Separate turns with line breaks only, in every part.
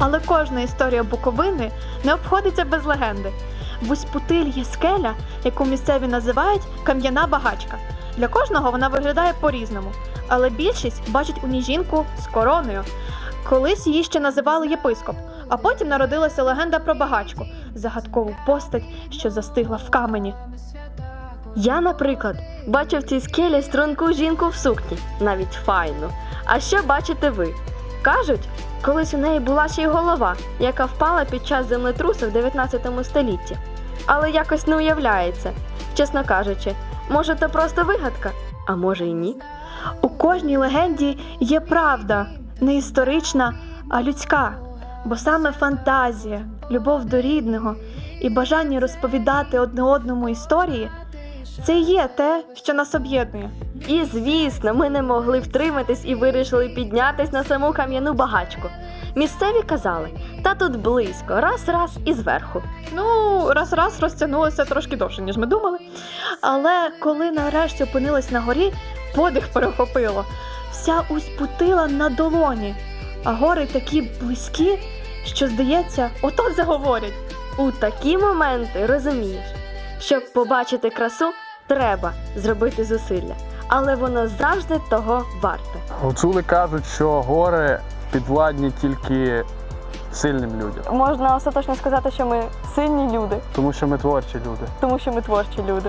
Але кожна історія Буковини не обходиться без легенди. В Усть-Путиль є скеля, яку місцеві називають Кам'яна Багачка. Для кожного вона виглядає по-різному, але більшість бачить у ній жінку з короною. Колись її ще називали єпископ, а потім народилася легенда про багачку – загадкову постать, що застигла в камені.
Я, наприклад, бачив в цій скелі струнку жінку в сукні, навіть файну. А що бачите ви? Кажуть, колись у неї була ще й голова, яка впала під час землетрусу в 19 столітті. Але якось не уявляється, чесно кажучи. Може, це просто вигадка, а може і ні.
У кожній легенді є правда, не історична, а людська. Бо саме фантазія, любов до рідного і бажання розповідати одне одному історії – це і є те, що нас об'єднує.
І, звісно, ми не могли втриматись і вирішили піднятись на саму Кам'яну Багачку. Місцеві казали, та тут близько, раз-раз і зверху.
Раз-раз розтягнулося трошки довше, ніж ми думали. Але коли нарешті опинились на горі, подих перехопило. Вся Усть-Путила на долоні, а гори такі близькі, що, здається, от-от заговорять.
У такі моменти розумієш, щоб побачити красу, треба зробити зусилля. Але воно завжди того варте.
Гуцули кажуть, що гори підвладні тільки сильним людям.
Можна остаточно сказати, що ми сильні люди,
Тому що ми творчі люди.
тому що ми творчі люди.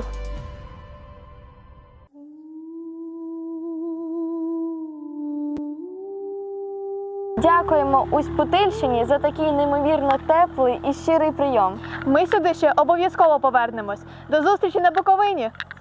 Дякуємо Усть-Путильщині за такий неймовірно теплий і щирий прийом.
Ми сюди ще обов'язково повернемось. До зустрічі на Буковині!